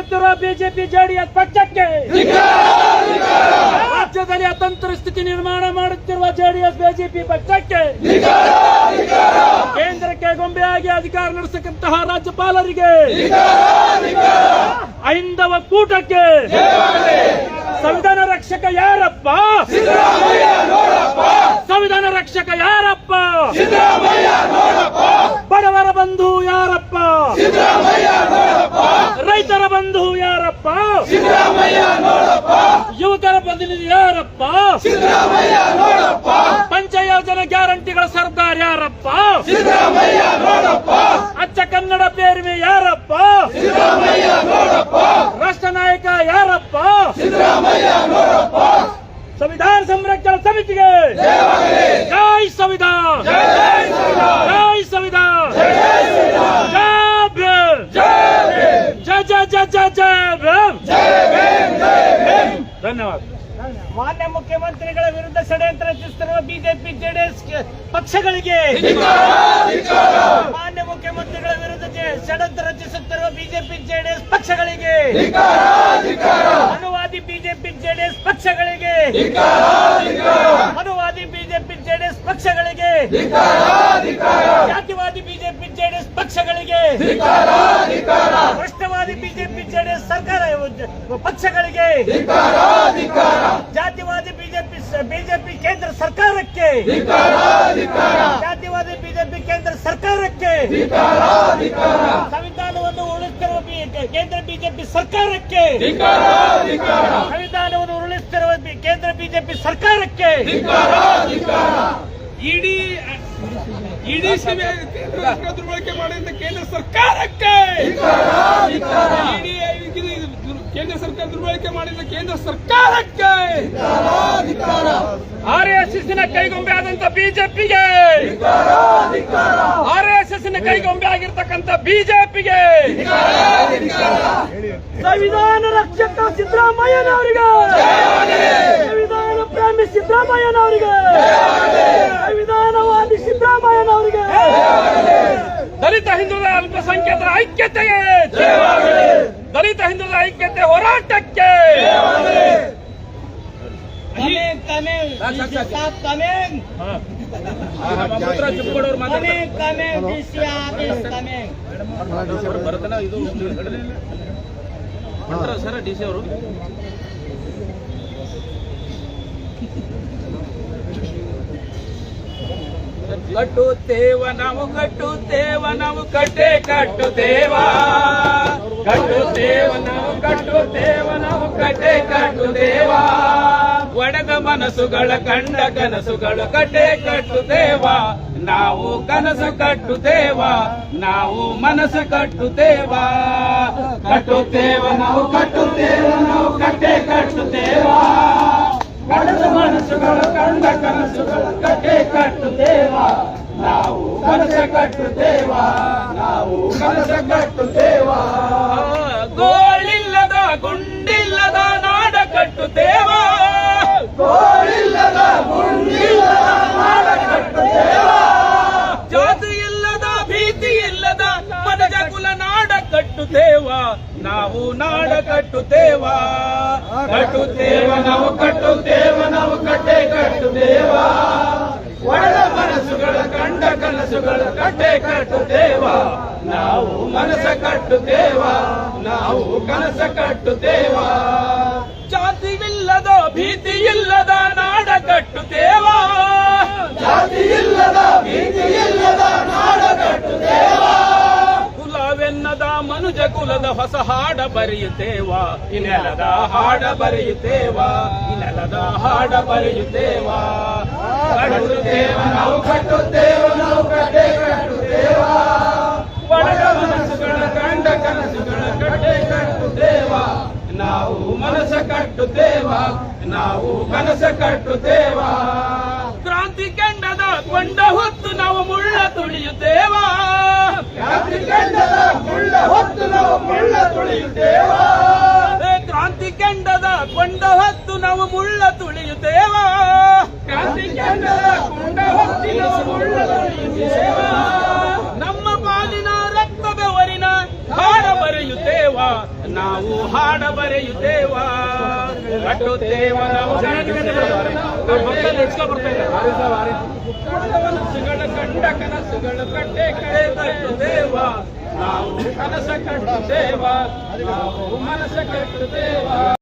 ಮಾಡುತ್ತಿರುವ BJP JDS ಪಕ್ಷಕ್ಕೆ, ರಾಜ್ಯದಲ್ಲಿ ಅತಂತ್ರ ಸ್ಥಿತಿ ನಿರ್ಮಾಣ ಮಾಡುತ್ತಿರುವ ಜೆಡಿಎಸ್ ಬಿಜೆಪಿ ಪಕ್ಷಕ್ಕೆ, ಕೇಂದ್ರಕ್ಕೆ ಗೊಂಬೆಯಾಗಿ ಅಧಿಕಾರ ನಡೆಸತಕ್ಕಂತಹ ರಾಜ್ಯಪಾಲರಿಗೆ, ಐಂದವ ಕೂಟಕ್ಕೆ, ಸಂವಿಧಾನ ರಕ್ಷಕ ಯಾರಪ್ಪ? ಸಂವಿಧಾನ ರಕ್ಷಕ ಯಾರಪ್ಪ? ಬಡವರ ಬಂಧು ಯಾರಪ್ಪ? ರೈತರ ಬಂಧು ಯಾರಪ್ಪ? ಯುವಕರ ಪ್ರತಿನಿಧಿ ಯಾರಪ್ಪ? ಪಂಚಯೋಜನೆ ಗ್ಯಾರಂಟಿಗಳ ಸರ್ದಾರ್ ಯಾರಪ್ಪ? ಅಚ್ಚ ಕನ್ನಡ ಪೇರ್ವೆ ಯಾರಪ್ಪ? ರಾಷ್ಟ್ರ ನಾಯಕ ಯಾರಪ್ಪ? ಸಂವಿಧಾನ ಸಂರಕ್ಷಣಾ ಸಮಿತಿಗೆ ಜೈ ಸಂವಿಧಾನ, ಜೈ ಸಂವಿಧಾನ, ಜೈ ಧನ್ಯವಾದ. ಮಾನ್ಯ ಮುಖ್ಯಮಂತ್ರಿಗಳ ವಿರುದ್ಧ ಷಡ್ಯಂತ್ರ ರಚಿಸುತ್ತಿರುವ ಬಿಜೆಪಿ ಜೆಡಿಎಸ್ ಪಕ್ಷಗಳಿಗೆ, ಮಾನ್ಯ ಮುಖ್ಯಮಂತ್ರಿಗಳ ವಿರುದ್ಧ ಷಡ್ಯಂತ್ರ ರಚಿಸುತ್ತಿರುವ ಬಿಜೆಪಿ ಜೆಡಿಎಸ್ ಪಕ್ಷಗಳಿಗೆ, ಅನುವಾದಿ ಬಿಜೆಪಿ ಜೆಡಿಎಸ್ ಪಕ್ಷಗಳಿಗೆ, ಅನುವಾದಿ ಬಿಜೆಪಿ ಜೆಡಿಎಸ್ ಪಕ್ಷಗಳಿಗೆ, ಜಾತಿವಾದಿ ಬಿಜೆಪಿ ಜೆಡಿಎಸ್ ಪಕ್ಷಗಳಿಗೆ, ಭ್ರಷ್ಟವಾದಿ ಬಿಜೆಪಿ ಜೆಡಿಎಸ್ ಸರ್ಕಾರ ಪಕ್ಷಗಳಿಗೆ, ಜಾತಿವಾದಿ ಬಿಜೆಪಿ ಕೇಂದ್ರ ಸರ್ಕಾರಕ್ಕೆ, ಜಾತಿವಾದಿ ಬಿಜೆಪಿ ಕೇಂದ್ರ ಸರ್ಕಾರಕ್ಕೆ, ಸಂವಿಧಾನವನ್ನು ಉರುಳಿಸುತ್ತಿರುವ ಕೇಂದ್ರ ಬಿಜೆಪಿ ಸರ್ಕಾರಕ್ಕೆ, ಸಂವಿಧಾನವನ್ನು ಉರುಳಿಸುತ್ತಿರುವ ಕೇಂದ್ರ ಬಿಜೆಪಿ ಸರ್ಕಾರಕ್ಕೆ, ಇಡೀ ಸೇವೆ ದುರ್ಬಳಕೆ ಮಾಡಿದ ಕೇಂದ್ರ ಸರ್ಕಾರಕ್ಕೆ, ಕೇಂದ್ರ ಸರ್ಕಾರ ದುರ್ಬಳಕೆ ಮಾಡಿದ ಕೇಂದ್ರ ಸರ್ಕಾರಕ್ಕೆ, ಆರ್ಎಸ್ಎಸ್ನ ಕೈಗೊಂಬೆ ಆದಂತ ಬಿಜೆಪಿಗೆ, ಆರ್ಎಸ್ಎಸ್ನ ಕೈಗೊಂಬೆ ಆಗಿರ್ತಕ್ಕಂಥ ಬಿಜೆಪಿಗೆ, ಸಂವಿಧಾನ ರಕ್ಷಕ ಸಿದ್ದರಾಮಯ್ಯನವರಿಗೆ, ಸಂವಿಧಾನ ಪ್ರೇಮಿ ಸಿದ್ದರಾಮಯ್ಯನವರಿಗೆ, ಸಂವಿಧಾನವಾದಿ ಸಿದ್ದರಾಮಯ್ಯನವರಿಗೆ, ದಲಿತ ಹಿಂದುಳಿದ ಅಲ್ಪಸಂಖ್ಯಾತರ ಐಕ್ಯತೆಗೆ, ದಲಿತ ಹಿಂದುಳಿದ ಐಕ್ಯತೆ ಹೋರಾಟಕ್ಕೆ, ಸರ್ ಡಿಸಿ ಅವರು ಕಟ್ಟುತ್ತೇವ ನಾವು ಕಟ್ಟುತ್ತೇವ ನಾವು ಕಟ್ಟೆ ಕಟ್ಟುತ್ತೇವ, ಕಟ್ಟುತ್ತೇವ ನಾವು ಕಟ್ಟುತ್ತೇವ ನಾವು ಕಟ್ಟೆ ಕಟ್ಟುತ್ತೇವ, ಒಡೆದ ಮನಸ್ಸುಗಳ ಕಂಡ ಕನಸುಗಳ ಕಟ್ಟೆ ಕಟ್ಟುತ್ತೇವ, ನಾವು ಕನಸು ಕಟ್ಟುತ್ತೇವ, ನಾವು ಮನಸ್ಸು ಕಟ್ಟುತ್ತೇವ, ಕಟ್ಟುತ್ತೇವ ನಾವು ಕಟ್ಟುತ್ತೇವ ನಾವು ಕಟ್ಟೆ ಕಟ್ಟುತ್ತೇವ, ಒಡೆದ ಮನಸ್ಸುಗಳ ಕಂಡ ಕನಸುಗಳ ಕಟ್ಟೆ ಕಟ್ಟುತ್ತೇವ, ನಾವು ಕನಸು ಕಟ್ಟುತ್ತೇವ, ನಾವು ಕನಸು ಕಟ್ಟುತ್ತೇವ, ಗೋಳಿಲ್ಲದ ಗುಂಡಿಲ್ಲದ ನಾಡ ಕಟ್ಟುತ್ತೇವ, ಗೋಳಿಲ್ಲದ ಗುಂಡಿಲ್ಲದ ನಾಡ ಕಟ್ಟುತ್ತೇವ, ಜಾತಿ ಇಲ್ಲದ ಭೀತಿ ಇಲ್ಲದ ಮನಜ ಕುಲ ನಾಡ ಕಟ್ಟುತ್ತೇವ, ನಾವು ನಾಡ ಕಟ್ಟುತ್ತೇವ, ಕಟ್ಟುತ್ತೇವ ನಾವು ಕಟ್ಟುತ್ತೇವ ನಾವು ಕಟ್ಟೆ ಕಟ್ಟುತ್ತೇವ, ಒಡೆದ ಮನಸ್ಸುಗಳ ಕಂಡ ಕನಸುಗಳ ಕಟ್ಟೆ ಕಟ್ಟುತ್ತೇವ, ನಾವು ಮನಸ್ಸ ಕಟ್ಟುತ್ತೇವ, ನಾವು ಕನಸ ಕಟ್ಟುತ್ತೇವ, ಜಾತಿಯಿಲ್ಲದ ಭೀತಿ ಇಲ್ಲದ ನಾಡ ಕಟ್ಟುತ್ತೇವ, ಜಾತಿ ಇಲ್ಲದ ಭೀತಿ ಇಲ್ಲದ ನಾಡ ಕಟ್ಟುತ್ತೇವ, ಕುಲವೆನ್ನದ ಮನುಜ ಕುಲದ ಹೊಸ ಹಾಡ ಬರೆಯುತ್ತೇವ, ಈ ನೆಲದ ಹಾಡ ಬರೆಯುತ್ತೇವ, ಈ ನೆಲದ ಹಾಡ ಬರೆಯುತ್ತೇವ, ಕಟ್ಟುತ್ತೇವ ನಾವು ಕಟ್ಟುತ್ತೇವ ನಾವು ಕಟ್ಟೆ ಕಟ್ಟುತ್ತೇವ, ಒಡೆದ ಮನಸ್ಸುಗಳ ಕಂಡ ಕನಸುಗಳ ಕಟ್ಟೆ ಕಟ್ಟುತ್ತೇವ, ನಾವು ಮನಸ್ಸ ಕಟ್ಟುತ್ತೇವ, ನಾವು ಕನಸ ಕಟ್ಟುತ್ತೇವ, ಕ್ರಾಂತಿ ಕೆಂಡದ ಕೊಂಡ ಹೊತ್ತು ನಾವು ಮುಳ್ಳ ತುಳಿಯುತ್ತೇವ, ಕ್ರಾಂತಿ ಕೆಂಡದ ಕೊಂಡ ಹೊತ್ತು ನಾವು ಮುಳ್ಳ ತುಳಿಯುತ್ತೇವ, ಕ್ರಾಂತಿ ಕೆಂಡದ ಕೊಂಡ ಹೊತ್ತು ನಾವು ಮುಳ್ಳ ತುಳಿಯುತ್ತೇವ, ಕ್ರಾಂತಿ ಕೆಂಡದ ಕೊಂಡ ಹೊತ್ತು ನಾವು ಮುಳ್ಳ ತುಳಿಯುತ್ತೇವ, ನಮ್ಮ ಪಾಲಿನ ರಕ್ತ ಬೆವರಿನ ಹಾಡ ಬರೆಯುತ್ತೇವ, ನಾವು ಹಾಡ ಬರೆಯುತ್ತೇವ ಕಟ್ಟುತ್ತೇವ ನಾವು ಕನಸುಗಳ ಕಂಡ ಕನಸುಗಳು ಕಟ್ಟೆ ಕಳೆದೇವ ನಾವು ಕನಸ ಕಟ್ಟುತ್ತೇವ ನಾವು ಮನಸ ಕಟ್ಟುತ್ತೇವ